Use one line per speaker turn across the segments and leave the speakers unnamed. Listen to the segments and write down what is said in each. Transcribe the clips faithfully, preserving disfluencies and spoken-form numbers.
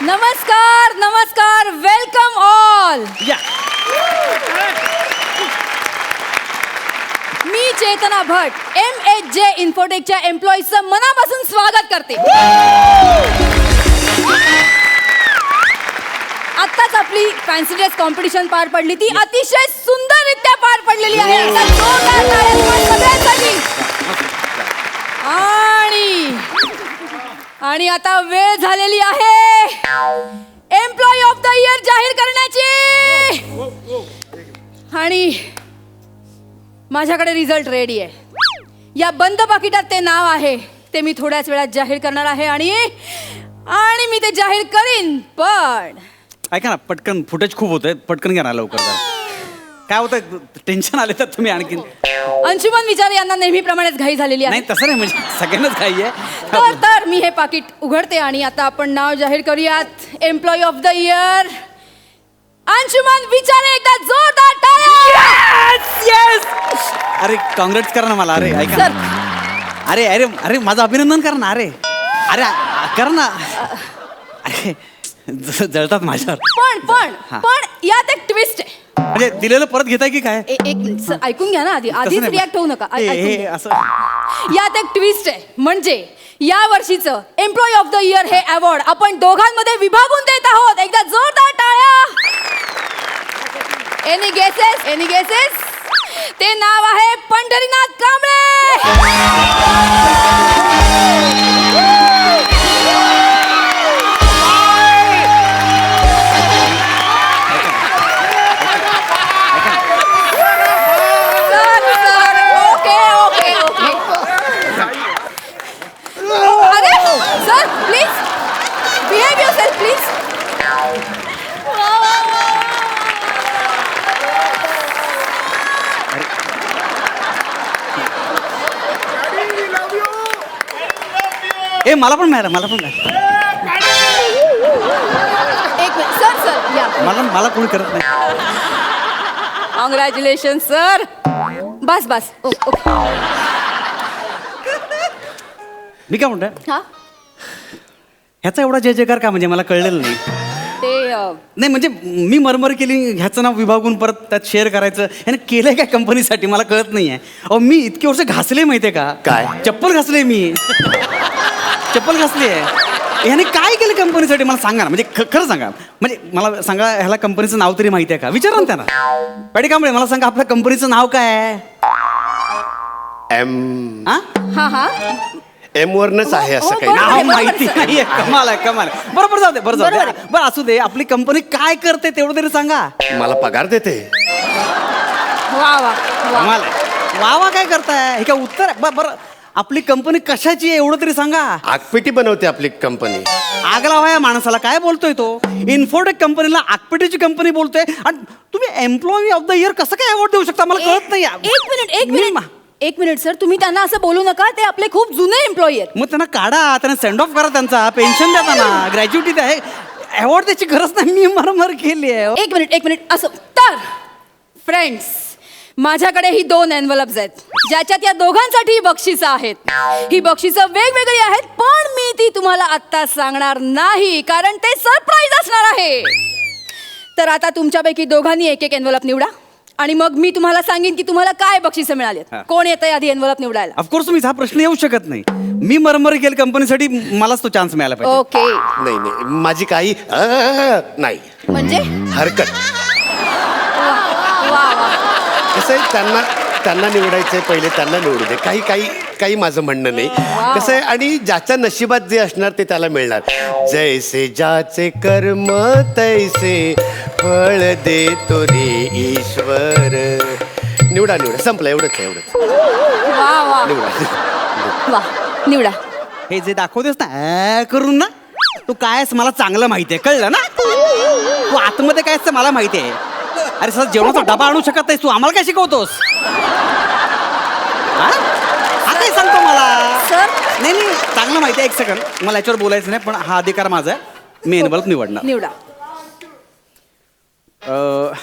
नमस्कार नमस्कार welcome all.
या
मी चेतना भट एम एच जे इन्फोटेकच्या एम्प्लॉईजचं मनापासून स्वागत करते. आत्ताच आपली फॅन्सी ड्रेस कॉम्पिटिशन पार पडली, ती अतिशय सुंदररित्या पार पडलेली आहे. एकदा जोरदार टाळ्या तुम्हा सगळ्यांसाठी. आणि आणि आता वेळ झालेली आहे एम्प्लॉई ऑफ द इयर जाहीर करण्याची. आणि माझ्याकडे रिझल्ट रेडी आहे. या बंद पाकिटात ते नाव आहे ते मी थोड्याच वेळात जाहीर करणार आहे. आणि आणि मी ते जाहीर करीन. पण
ऐका ना, पटकन फुटेज खूप होतंय, पटकन घ्या ना लवकर जरा. काय होतं, टेन्शन आले तर तुम्ही आणखीन.
अंशुमन विचार यांना नेहमीप्रमाणेच घाई झालेली आहे.
नाही तसं नाही, म्हणजे सगळ्यांनाच घाई आहे.
तर तर मी हे पाकिट उघडते आणि आता आपण नाव जाहीर करूयात. Employee of the year Anshuman Vichare. एकदा जोरदार टाळ्या.
येस. अरे कॉंग्रॅट्स करा ना मला. अरे ऐका
सर.
ना. अरे अरे अरे माझं अभिनंदन करा ना. अरे अरे करा ना. अरे ज- जळतात माझ्यावर.
पण पण
हा.
पण यात एक ट्विस्ट आहे.
म्हणजे दिलेलं परत घेताय की काय?
ए- एक मिनिट सर, ऐकून घ्या ना आधी.
तसं
आधीच
नाही.
रिॲक्ट होऊ नका. ऐ-
हे-
ऐकून
हे
घ्या.
असं
यात एक ट्विस्ट आहे. म्हणजे या वर्षीचं एम्प्लॉई ऑफ द इयर हे अवॉर्ड आपण दोघांमध्ये विभागून देत आहोत. एकदा जोरदार टाळ्या. एनी गेसेस एनी गेसेस ते नाव आहे Pandharinath Kamble. Sir, sir, okay okay okay. अरे sir please behave yourself please.
ए मला पण मिळालं, मला पण मिळालं.
एक मिनिट सर सर या.
मला मला कोणी करत नाही.
Congratulation sir. बस बस ओ- ओके.
मी काय म्हणतोय,
हा
ह्याचा एवढा जय जयकार का, म्हणजे मला कळलेलं नाही.
ते अ,
नाही म्हणजे मी मरमर केली, ह्याचं नाव विभागून परत त्यात शेअर करायचं. ह्याने केलंय काय कंपनीसाठी मला कळत नाहीये. अहो मी इतके वर्ष घासले माहितीये का?
काय?
चप्पल घासले मी. चप्पल घासली आहे. ह्याने काय केलं कंपनीसाठी मला सांगा ना. म्हणजे ख- खरं सांगा, म्हणजे मला सांगा, ह्याला कंपनीचं नाव तरी माहिती आहे का? विचारा ना त्यांना. पाडी कांबळे मला सांगा, आपल्या कंपनीचं नाव काय आहे?
एम
हा
हा हा
एम वरनच आहे असं
हो,
काही
बरोबर
नाव
आहे, बरोबर
माहिती
आहे.
नाहीये. कमाल आहे, कमाल आहे. बरोबर जाऊ दे, बरं जाऊ
बरोबर
दे. बरं असू दे. आपली कंपनी काय करते तेवढं तरी सांगा.
मला पगार देते.
वा वा वा.
कमाल आहे. वा वा काय करताय? हे काय उत्तर आहे? ब- बरं आपली कंपनी कशाची आहे एवढं तरी सांगा.
आगपेटी बनवते आपली कंपनी.
आग लावा या माणसाला. काय बोलतोय तो? इन्फोटेक कंपनीला आगपेटीची कंपनी बोलतोय आणि तुम्ही एम्प्लॉई ऑफ द इयर कसं काय अवॉर्ड देऊ शकता? मला कळत नाही.
एक मिनिट एक
मी-
मिनिट एक मिनिट सर, तुम्ही त्यांना असं बोलू नका. ते आपले खूप जुने एम्प्लॉई आहेत.
मग त्यांना काढा, त्यांना सेंड ऑफ करा, त्यांचा पेन्शन द्या, त्यांना ग्रॅज्युटी द्या. अवॉर्ड द्यायची गरज नाही. मी मरमर केली आहे.
एक मिनिट एक मिनिट असं. तर फ्रेंड्स, माझ्याकडे ही दोन एनवलप्स आहेत ज्याच्यात या दोघांसाठी बक्षिसं आहेत. ही बक्षिसं वेगवेगळी आहेत, पण मी ती तुम्हाला आत्ता सांगणार नाही, कारण ते सरप्राईज असणार आहे. तर आता तुमच्यापैकी दोघांनी एक एक एनवलप निवडा आणि मग मी तुम्हाला सांगेन की तुम्हाला काय बक्षिसं मिळाली.
हा.
कोण येतंय आधी एनवलप निवडायला?
ऑफकोर्स तुम्ही हा प्रश्न येऊ शकत नाही. मी मरमर केली कंपनीसाठी, मलाच तो चान्स मिळाला पाहिजे.
ओके.
नाही नाही माझी काही अ, नाही
म्हणजे
हरकत.
वा वा.
कसं आहे, त्यांना त्यांना निवडायचंय, पहिले त्यांना निवडू दे. काही काही काही माझं म्हणणं नाही. कसं आहे, आणि ज्याच्या नशिबात जे असणार ते त्याला मिळणार. जैसे ज्याचे कर्म तैसे फळ देतो रे ईश्वर. निवडा निवडा, संपलं. एवढंच आहे, एवढंच.
वा वा
निवडा.
वा. निवडा.
हे जे दाखवतेस ना ॲ करून ना, तू काय आहेस मला चांगलं माहिती आहे. कळलं ना? तू आतमध्ये काय असतं मला माहिती आहे. अरे सर, जेवणाचा डबा आणू शकत नाहीस तू, आम्हाला काय शिकवतोस? हा? हा काय सांगतो मला?
सर.
नाही नाही, चांगलं माहिती आहे. एक सेकंड, मला याच्यावर बोलायचं नाही, पण हा अधिकार माझा आहे. मी एनवलप निवडणार.
निवडा.
अ,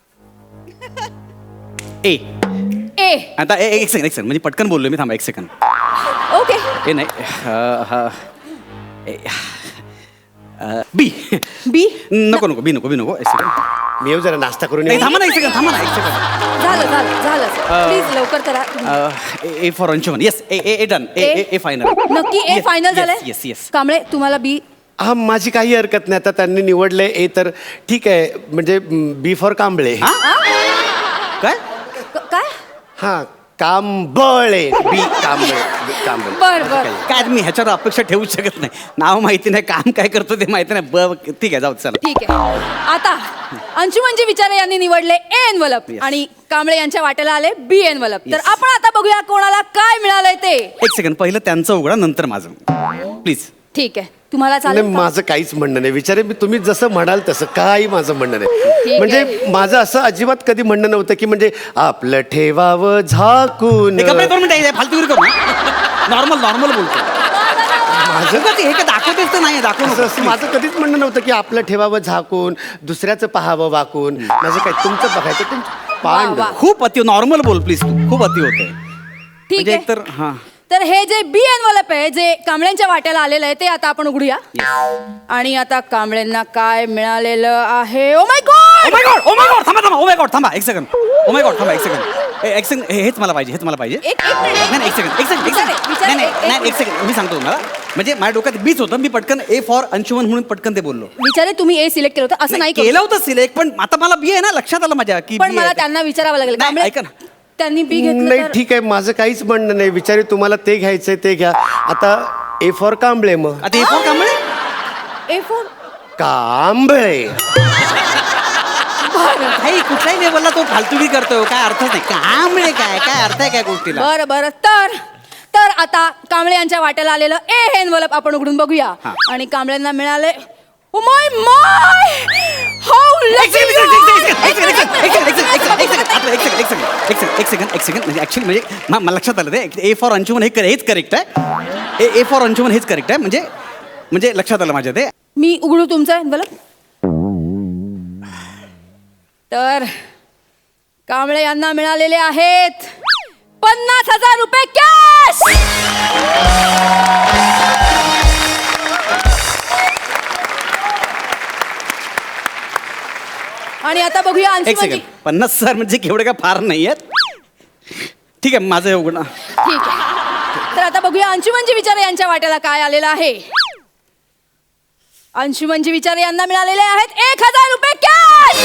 ए
ए.
आता ए- एक सेकंड एक सेकंड म्हणजे पटकन बोललो मी. थांबा एक सेकंड.
ओके.
ए नाही, अ, हा, ए, बी
बी
नको नको बी नको बी नको एक सेकंड
मी येऊ जरा नाश्ता करून
नाही
येऊ.
थांबा ना एक सेकंड थांबा ना एक सेकंड
झालं झालं झालं प्लीज लवकर करा.
ए फॉर अंशुमन येस ए ए डन ए ए ए फायनल
नक्की ए फायनल झालंय.
येस येस
कांबळे तुम्हाला बी.
हा माझी काही हरकत नाही आता त्यांनी निवडले ए तर ठीक आहे म्हणजे बी फॉर कांबळे.
काय
क- काय
हा कांबळे बी कांबळे बी कांबळे.
बर बर
काय मी ह्याच्यावर अपेक्षा ठेवू शकत नाही नाव माहिती नाही काम काय करतो ते माहिती नाही ब ठीक आहे जाऊ दे, चला
ठीक आहे. आता अंशुमनजी विचारे यांनी निवडले ए एनवलप
Yes.
आणि कांबळे यांच्या वाट्याला आले बी एनवलप. तर
Yes.
आपण आता बघूया कोणाला काय मिळालंय ते.
एक सेकंड पहिलं त्यांचं उघडा नंतर माझं प्लीज
ठीक आहे तुम्हाला
नाही
चालेल का?
माझं काहीच म्हणणं नाही विचारे मी तुम्ही जसं म्हणाल तसं काही माझं म्हणणं
ठीक
नाही
आहे.
म्हणजे माझं असं अजिबात कधी म्हणणं नव्हतं की म्हणजे आपलं ठेवावं झाकून
कपडे दोन मिनिटं फालतूगिरी करू नॉर्मल नॉर्मल बोलतो
माझं
उगाच हे काय दाखवतेच तर नाही दाखवू
असं
नको.
असं माझं कधीच म्हणणं नव्हतं की आपलं ठेवावं झाकून दुसऱ्याचं पाहावं वाकून माझं काय तुमचं बघायचं तुमचं पांड
वा.
खूप अति नॉर्मल बोल प्लीज तू खूप अति होते
ठीक
म्हणजे
आहे
एकतर हा
तर हे जे बी एनवलप आहे जे कांबळ्यांच्या वाट्याला आलेलं आहे ते आता आपण उघडूया. आणि आता कांबळ्यांना काय मिळालेलं आहे. Oh my
oh
God
my God oh my God थांबा थांबा ओ माय गॉड थांबा एक सेकंड ओ माय गॉड थांबा एक सेकंड एक सेकंड हेच मला पाहिजे हेच मला पाहिजे
एक एक मिनिट
नाही नाही, एक सेकंड एक सेकंड एक
विचारे,
सेकंड
विचारे,
नाही
एक-
नाही
एक
नाही एक सेकंड मी सांगतो तुम्हाला म्हणजे माझ्या डोक्यात बीच होतं मी पटकन ए फॉर अंशुमन म्हणून पटकन ते बोललो
विचारे तुम्ही ए सिलेक्ट केलं होतं असं नाही करू.
केलं होतं सिलेक्ट पण आता मला बी आहे ना लक्षात आलं माझ्या की
पण
B
मला
आहे.
त्यांना विचारावं लागेल
नाही,
कांबळे,
ऐका ना.
त्यांनी बी घेतलं
नाही
तर-
ठीक आहे माझं काहीच म्हणणं नाही विचारे तुम्हाला ते घ्यायचंय ते घ्या आता ए फॉर कांबळे मग
आता A for Kamble
A for
Kamble
काही कुठल्याही लेवलला तो फालतुगी करतोय काय अर्थच नाही कांबळे काय काय अर्थ आहे काय गोष्टीला
बरं बरं तर तर आता कांबळे यांच्या वाट्याला आलेलं ए हे एनवलप आपण उघडून बघूया.
हा.
आणि कांबळ्यांना मिळाले ओ माय माय हाऊ
एक सेकंड, एक सेकंड, एक सेकंड, एक सेकंड, एक सेकंड, एक सेकंड, एक सेकंड, आपलं एक सेकंड, एक सेकंड, एक सेकंड, एक सेकंड, एक सेकंड. म्हणजे ऍक्च्युली म्हणजे मा- मला लक्षात आलं ते ए फॉर अंशुमन हे हेच करेक्ट आहे ए ए फॉर अंशुमन हेच करेक्ट आहे म्हणजे म्हणजे लक्षात आलं माझ्या ते
मी उघडू तुमचं एनवलप. तर कांबळे यांना मिळालेले आहेत पन्नास हजार रुपये कॅश. आणि आता बघूया
एक
अंशुमनजी.
सेकंड पन्नास हजार म्हणजे केवढे काय फार नाही आहेत ठीक आहे माझं हे उघडा
ठीक आहे तर आता बघूया अंशुमनजी विचारे यांच्या वाट्याला काय आलेलं आहे. अंशुमनजी विचारे यांना मिळालेले आहेत एक हजार रुपये कॅश.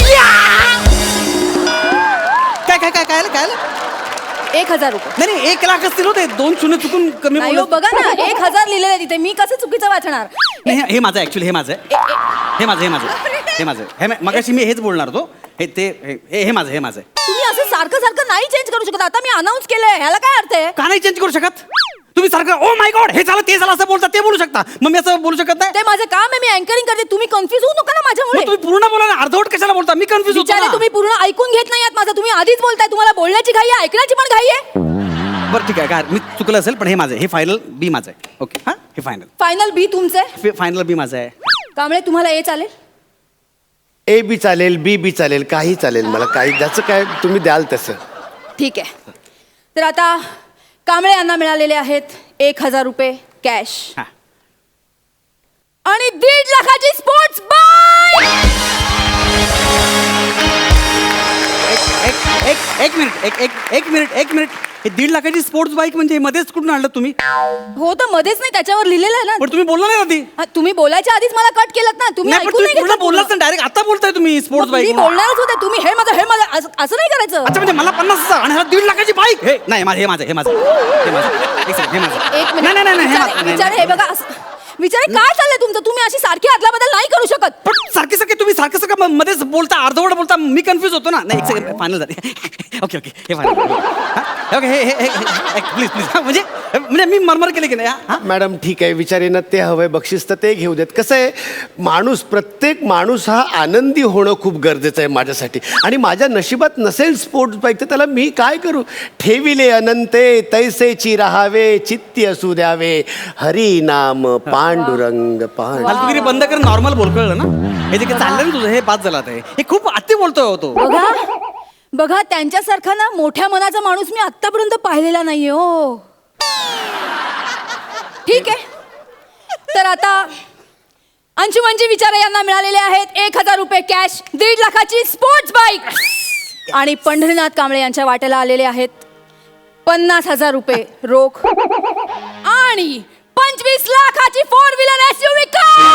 काय काय काय काय आलं, काय आलं?
एक हजार रुपये
नाही नाही एक लाख असतील होते दोन शून्य चुकून कमी
नाही हो,
बोललो
बघा ना एक हजार लिहिलेलं आहे तिथे मी कसं चुकीचं वाचणार.
नाही हे- हे माझं ऍक्च्युली हे माझं आहे. हे माझं हे माझं हे माझं हे मा- मगाशी मी हेच बोलणार होतो हे ते हे हे माझं हे माझं आहे.
तुम्ही असं सारखं सारखं नाही चेंज करू शकत. आता मी अनाऊन्स केलंय ह्याला काय अर्थ आहे.
का नाही चेंज करू शकत तुम्ही सारखं ओ माय गॉड हे झालं ते झालं असं बोलता ते बोलू शकता मग मी असं बोलू शकत नाही
ते माझं काम आहे मी अँकरिंग करते. तुम्ही कन्फ्युज होऊ नका ना
मग
माझ्यामुळे.
तुम्ही पूर्ण बोला ना अर्धवट कशाला बोलता मी कन्फ्युज होतो
विचारे
ना.
तुम्ही पूर्ण ऐकून घेत नाही आहात माझं. तुम्ही आधीच बोलताय तुम्हाला बोलण्याची घाई आहे ऐकण्याची पण घाई आहे.
बरं ठीक आहे काय मी चुकलं असेल पण हे माझं आहे. हे फायनल बी माझं आहे ओके हां हे फायनल
फायनल बी तुमचं
फायनल बी माझं आहे
कांबळे तुम्हाला ए चालेल.
ए बी चालेल बी बी चालेल काही चालेल मला काही ज्याचं काय तुम्ही द्याल तसं
ठीक आहे तर आता कांबळे यांना मिळालेले आहेत एक हजार रुपये कॅश
हां
आणि दीड लाखाची स्पोर्ट्स बाईक.
एक एक एक मिनिट एक एक एक मिनिट एक मिनिट हे दीड लाखाची स्पोर्ट्स बाईक म्हणजे हे मध्येच कुठून आणलं तुम्ही
हो तर मध्येच नाही त्याच्यावर लिहिलेलं आहे ना.
पण तुम्ही बोलला नाही आधी
हा, तुम्ही बोलायच्या आधीच मला कट केलं ना. तुम्ही
नाही पण
ऐकून
तुम्ही
नाही
पूर्ण
घेतलं
बोललाच नाही डायरेक्ट आता बोलताय तुम्ही स्पोर्ट्स
मग मी
बाईक
बोलणारच होते. तुम्ही हे माझं हे माझं असं असं नाही करायचं.
अच्छा म्हणजे मला पन्नास हजार आणि ह्याला दीड लाखाची बाईक हे नाही माझं हे माझं हे माझं हे माझं एक सेकंड, हे माझं
एक
नाही नाही नाही नाही, हे
विचारे
माझं
विचारे, हे बघा असं- विचारे काय चाललंय तुमचं. तुम्ही अशी सारखी आदला बदल नाही करू शकत.
पण सारखे सारखे तुम्ही सारखं सारखं म- मध्येच बोलता अर्धवट बोलता मी कन्फ्युज होतो ना नाही एक सेकंड फायनल झाले ओके ओके हे फायनल ओके हे हे प्लीज प्लीज म्हणजे म्हणजे मी मरमर केले की नाही हा
मॅडम ठीक आहे विचारेनं ते हवंय बक्षीस तर ते घेऊ देत कसं आहे माणूस प्रत्येक माणूस हा आनंदी होणं खूप गरजेचं आहे माझ्यासाठी आणि माझ्या नशिबात नसेल स्पोर्ट्स बाईक तर त्याला मी काय करू ठेविले अनंते तैसेची राहावे चित्ती असू द्यावे हरी नाम पांडुरंग पांडु
फालतुगिरी बंद कर नॉर्मल बोल कळलं ना हे जे काही चाललंय ना तुझं हे बाद झालं आता हे. हे खूप अति बोलतोय हो तो
बघा बघा त्यांच्यासारखा ना मोठ्या मनाचा माणूस मी आतापर्यंत पाहिलेला नाहीये हो. ठीक आहे तर आता अंशुमनजी विचारे यांना मिळालेले आहेत एक हजार रुपये कॅश, दीड लाखाची स्पोर्ट्स बाईक आणि पंढरीनाथ कांबळे यांच्या वाट्याला आलेले आहेत पन्नास हजार रुपये रोख आणि पंचवीस लाखाची four wheeler SUV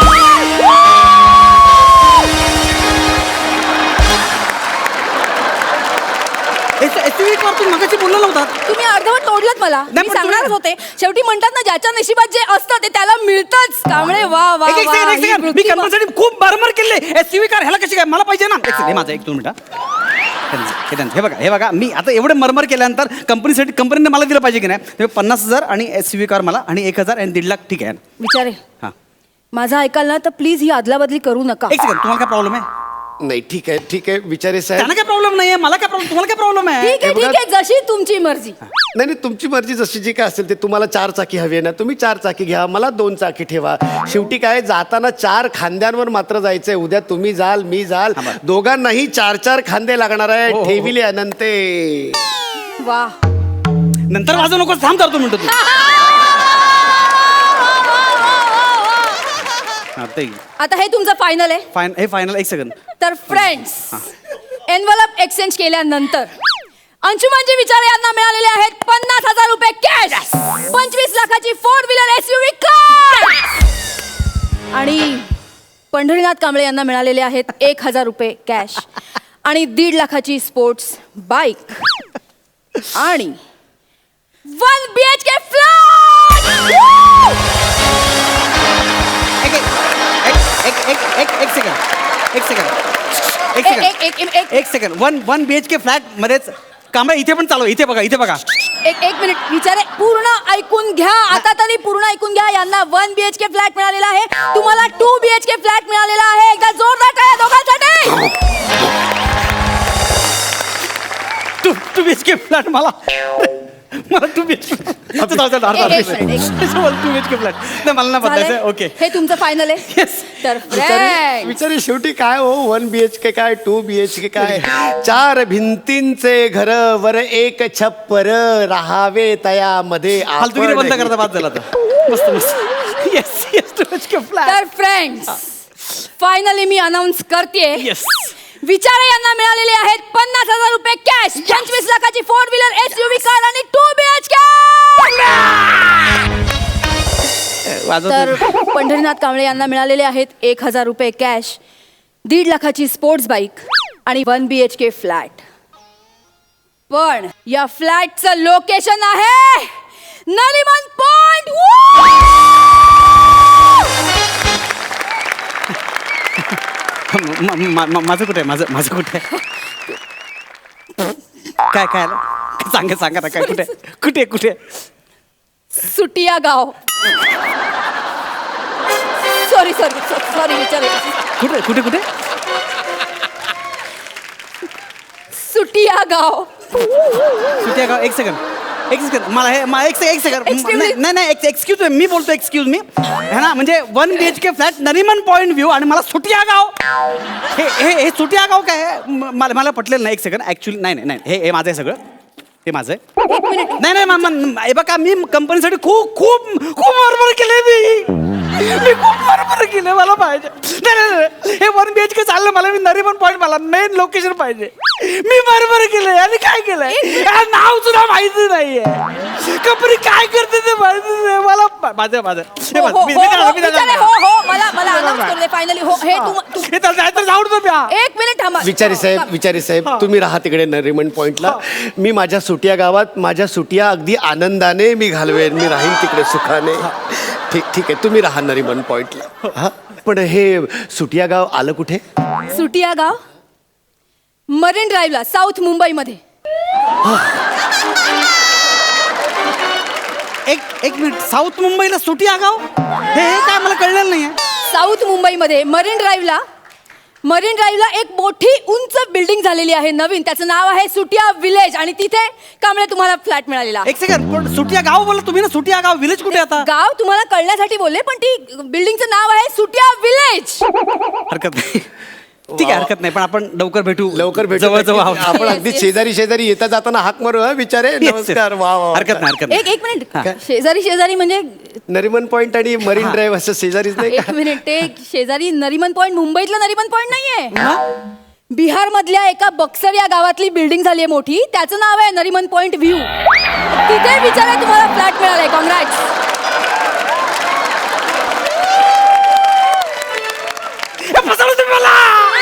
SUV car तुम्ही मगाशी बोलला नव्हता.
तुम्ही अर्धवट तोडलत मला.
नाही,
मी
पण
सांगणारच
तुम्ही-
होते. शेवटी म्हणतात ना ज्याच्या नशिबात जे असतं ते त्याला मिळतच. कांबळे वा वा
एक- एक
वा,
सेकंड, एक
ही
सेकंड. मी
पृथ्वी वा-
कंपनीसाठी खूप मारमार केले. एसयूव्ही कार ह्याला कशी काय मला पाहिजे ना. एक सेकंड, हे माझं एक दोन मिनिटं. हे त्यांचं, हे बघा हे बघा मी आता एवढं मरमर केल्यानंतर कंपनीसाठी कंपनीने मला दिलं पाहिजे की नाही. तेव्हा पन्नास हजार आणि एसयूव्ही कार मला आणि एक हजार आणि दीड लाख ठीक आहे.
विचारे
हां
माझं ऐकाल ना तर प्लीज ही अदलाबदली करू नका.
एक सेकंड, तुम्हाला काय प्रॉब्लेम आहे.
नाही ठीक आहे ठीक आहे विचारे साहेब.
त्यांना काय प्रॉब्लेम नाही आहे, मला काय प्रॉब्लेम, तुम्हाला काय प्रॉब्लेम आहे.
ठीक आहे
हे बघा-
ठीक आहे जशी तुमची मर्जी.
नाही नाही तुमची मर्जी जशी जी काय असेल ते. तुम्हाला चार चाकी हवी आहे ना, तुम्ही चार चाकी घ्या, मला दोन चाकी ठेवा. शेवटी काय जाताना चार खांद्यांवर मात्र जायचंय. उद्या तुम्ही जाल मी जाल,
हा, बरं.
दोघांनाही चार चार खांदे लागणार आहे.
हो, हो, हो.
ठेविले अनंते.
वा
नंतर वाजू नको, थांब करतो म्हणतो तू. हा, ते
आता हे तुमचं फायनल आहे.
फाइन हे फायनल. एक सेकंड.
तर फ्रेंड्स एनवलप एक्सचेंज केल्यानंतर अंशुमनजी विचारे यांना मिळालेले आहेत पन्नास हजार रुपये कॅश, पंचवीस लाखाची फोर व्हीलर एसयूव्ही कार आणि पंढरीनाथ कांबळे यांना मिळालेले आहेत एक हजार रुपये कॅश आणि दीड लाखाची स्पोर्ट्स बाईक आणि one B H K flat.
एक एक एक एक एक एक सेकंड एक सेकंड एक
एक-
सेकंड
एक- एक- एक-
एक second. One one B H K flat मध्येच कांबळे इथे पण चालू. इथे बघा इथे बघा.
एक एक मिनिट विचारे पूर्ण ऐकून घ्या. आता तरी पूर्ण ऐकून घ्या. यांना one B H K flat मिळालेला आहे, तुम्हाला two B H K flat मिळालेला आहे. एकदा जोरदार काय दोघांसाठी.
Two two B H K flat मला मला टू बी एच के
एक- एक मिनिट, एक
two B H K flat नाही मला नाही बदलायचं.
झालंय?
ओके
हे तुमचं फायनल आहे.
येस.
तर
विचारे
फ्रेंड्स
विचारे शेवटी काय हो, वन बी एच के काय टू बी एच के काय, चार भिंतींचे घर वर एक छप्पर राहावे तयामध्ये
फालतुगिरी बंद
आपण.
करता बाद झाला आता. मस्त मस्त. Yes yes two B H K flat.
तर फ्रेंड्स फायनली मी अनाऊन्स करते.
येस.
विचारे यांना मिळालेले आहेत पन्नास हजार रुपये कॅश, पंचवीस लाखाची फोर व्हीलर एसयूव्ही कार आणि टू बी एच के. तर पंढरीनाथ कांबळे यांना मिळालेले आहेत एक हजार रुपये कॅश, दीड लाखाची स्पोर्ट्स बाईक आणि one B H K flat. पण या फ्लॅटचं लोकेशन आहे नरिमन पॉइंट.
माझं कुठे आहे माझं माझं कुठे आहे काय काय आलं? सांगा सांगा ना काय कुठे आहे? कुठे कुठे
सुटिया गाव. सॉरी सॉरी सॉरी विचार
कुठे कुठे कुठे
सुटिया गाव.
सुट्या गाव. एक सेकंड एक सेकंड मला हे मा- एक सेकंड एक सेकंड
Excuse
नाही
me.
नाही नाही एक्सक्यूज मी बोलतो एक्सक्यूज मी है ना. म्हणजे one B H K flat Nariman Point view आणि मला सुटिया गाव. हे हे हे सुटिया गाव काय आहे? म- मला मला पटलेलं नाही. एक सेकंड ऍक्च्युली नाही नाही नाही हे हे माझं आहे सगळं. हे माझं आहे.
एक मिनिट.
नाही नाही मा- मा- हे बघा मी कंपनीसाठी खूप खूप खूप मारमार केले मी मी खूप मारमार केले. मला पाहिजे नाही नाही नाही. हे वन बी एच के चाललं मला. मी नरिमन पॉईंट मला मेन लोकेशन पाहिजे. मी मारमार केलंय आणि काय केलंय या नाव सुद्धा माहिती नाहीये. कंपनी काय करते ते माहिती नाही मला. माझं माझं हे
हो,
बघ,
हो,
मी-
हो,
मी
हो,
त्याला- मी त्याला-
विचारे, हो हो मला मला announce करू दे फायनली. हो हे तुम- तु-
हे त्याला जायचं जाऊ दे प्या.
एक मिनिट थांबा.
विचारी साहेब विचारी साहेब तुम्ही राहा तिकडे नरिमन पॉइंटला. मी माझ्या सुटिया गावात माझ्या सुटिया अगदी आनंदाने मी घालवेन. मी राहीन तिकडे सुखाने. ठीक ठीक आहे तुम्ही राहा नरिमन पॉइंटला. हा पण हे सुटिया गाव आलं कुठे?
सुटिया गाव मरीन ड्राईव्हला साऊथ मुंबईमध्ये.
एक एक मिनिट साऊथ मुंबईला सुटिया गाव हे हे काय मला कळलेलं नाहीये.
साऊथ मुंबईमध्ये मरीन ड्राईव्हला मरीन ड्राईव्हला एक मोठी उंच बिल्डिंग झालेली आहे नवीन. त्याचं नाव आहे सुटिया विलेज आणि तिथे कांबळे तुम्हाला फ्लॅट मिळालेला आहे.
एक सेकंड पण सुटिया गाव बोलला तुम्ही ना. सुटिया गाव विलेज कुठे आता?
गाव तुम्हाला कळण्यासाठी बोलले पण ती बिल्डिंगचं नाव आहे सुटिया विलेज.
हरकत नाही. ठीक आहे, हरकत नाही, पण आपण लवकर भेटू.
लवकर भेटू.
जवळ जवळ आहोत.
आपण
Yes,
अगदी
yes.
शेजारी शेजारी येता जाताना हाक मारू हा बिचारे.
Yes, yes.
नमस्कार. वा वा वा.
हरकत नाही, हरकत नाही.
एक एक मिनिट शेजारी शेजारी म्हणजे
नरिमन पॉइंट आणि मरीन ड्राईव्ह असं शेजारीच नाही
एक
का?
मिनिट ते शेजारी नरिमन पॉइंट मुंबईतलं नरिमन पॉइंट नाहीये. बिहार मधल्या एका बक्सर या गावातली बिल्डिंग झाली आहे मोठी, त्याचं नाव आहे नरिमन पॉइंट व्ह्यू. तिथे बिचारा तुम्हाला फ्लॅट मिळालाय. कॉंग्रॅट्स.
फसवलं तुम्ही मला.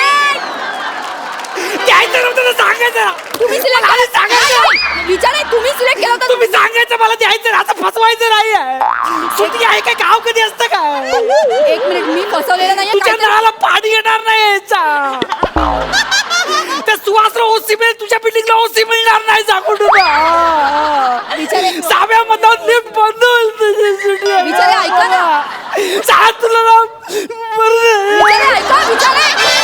द्यायचं नव्हतं तर सांगायचं.
तुम्ही सिलेक्ट
मला सांगायचं.
विचार तुम्ही सिलेक्ट केला होता.
तुम्ही सांगायचं मला द्यायचं, असं फसवायचं नाही आहे. सुट्टी आहे का? गाव कधी असतं काय?
एक मिनिट मी फसवलेलं नाहीये.
तुझ्या
काहीतरी-
नळाला पाणी येणार नाही यायचा. त्या सुहासला ओसी मिळेल, तुझ्या बिल्डिंगला ओसी मिळणार नाही. सांगू तुला
बिचारे
साव्यामधून लिफ्ट बंद होईल.
बिचारे ऐका ना.
सांग तुला ना. बरं.
बिचारे ऐका बिचारे.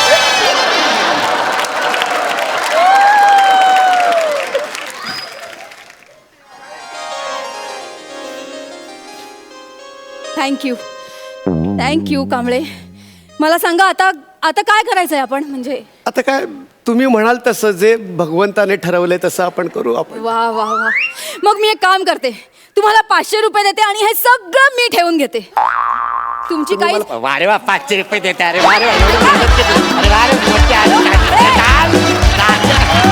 Thank you thank you Kamble. मला सांगा आता आता काय करायचंय आपण? म्हणजे
आता काय तुम्ही म्हणाल तसं, जे भगवंताने ठरवलंय तसं आपण करू. आपण
वा वा वा. मग मी एक काम करते, तुम्हाला पाचशे रुपये देते आणि हे सगळं मी ठेवून घेते. तुमची काही
वारे वा पाचशे रुपये देते. अरे वारे वा, एवढी मेहनत केली. अरे वारे मोठी आहे. चाल, चाल.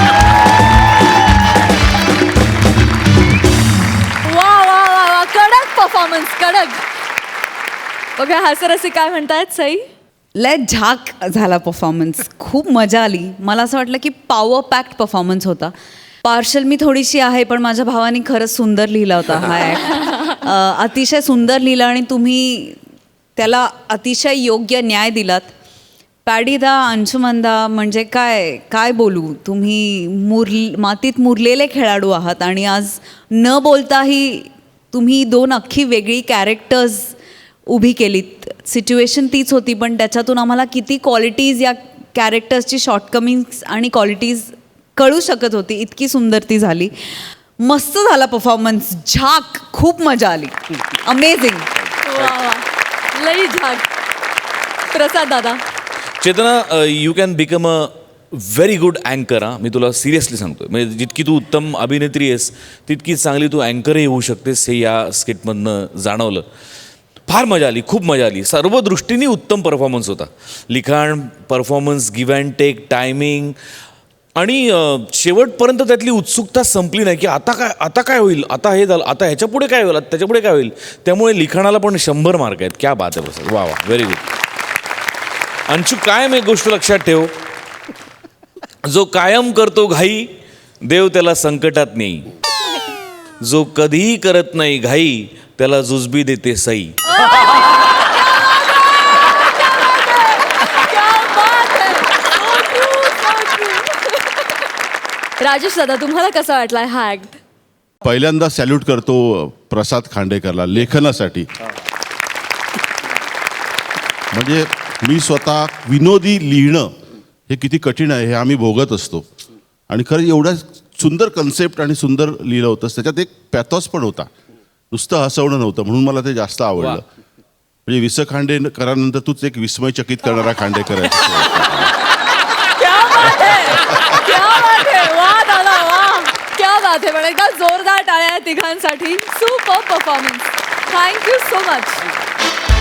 वा वा वा वा. कडक परफॉर्मन्स, कडक. बघा हा सर असे काय म्हणतायत सई?
लय झाक झाला परफॉर्मन्स. खूप मजा आली. मला असं वाटलं की पॉवर पॅक्ड परफॉर्मन्स होता. पार्शल मी थोडीशी आहे, पण माझ्या भावाने खरंच सुंदर लिहिला होता हा ॲक्ट. अतिशय सुंदर लिहिला आणि तुम्ही त्याला अतिशय योग्य न्याय दिलात. पॅडीदा, अंशुमनदा, म्हणजे काय काय बोलू. तुम्ही मुर मातीत मुरलेले खेळाडू आहात आणि आज न बोलताही तुम्ही दोन अख्खी वेगळी कॅरेक्टर्स उभी केलीत. सिच्युएशन तीच होती, पण त्याच्यातून आम्हाला किती क्वालिटीज या कॅरेक्टर्सची शॉर्टकमिंग्स आणि क्वालिटीज कळू शकत होती. इतकी सुंदर ती झाली. मस्त झाला परफॉर्मन्स. झाक. खूप मजा आली. अमेझिंग.
वा वा. लई झाक. प्रसाद दादा.
Chetana, you can become a very good अँकर. हां, मी तुला सिरियसली सांगतो. म्हणजे जितकी तू उत्तम अभिनेत्री आहेस, तितकीच चांगली तू अँकरही होऊ शकतेस. हे या स्किटमधनं जाणवलं. फार मजा आली, खूप मजा आली. सर्व दृष्टीने उत्तम परफॉर्मन्स होता. लिखाण, performance, give and take, timing आणि शेवटपर्यंत त्यातली उत्सुकता संपली नाही की आता काय आता काय होईल, आता हे झालं, आता ह्याच्या पुढे काय होईल, त्याच्यापुढे काय होईल. त्यामुळे लिखाणाला पण शंभर मार्क आहेत. क्या बात आहे बस. वा वा, व्हेरी गुड. अंशू, कायम एक गोष्ट लक्षात ठेव, जो कायम करतो घाई, देव त्याला संकटात नेई. जो कधीही करत नाही घाई, त्याला जुजबी देते सई.
राजेश दादा, तुम्हाला कसा वाटलाय हा ऍक्ट?
पहिल्यांदा सॅल्यूट करतो प्रसाद खांडेकरला लेखनासाठी. म्हणजे मी स्वतः विनोदी लिहिणं हे किती कठीण आहे हे आम्ही भोगत असतो. आणि खरं एवढा सुंदर कन्सेप्ट आणि सुंदर लिहिलं होतं. त्याच्यात एक पॅथॉस पण होता, नुसतं हसवणं नव्हतं. म्हणून मला ते जास्त आवडलं. म्हणजे विस खांडेकरानंतर तूच एक विस्मयचकित करणारा खांडेकर आहे.
क्या बात है, क्या बात है. वा दादा वा. क्या बात है. पण एकदा जोरदार टाळ्या तिघांसाठी. Super performance. Thank you so much.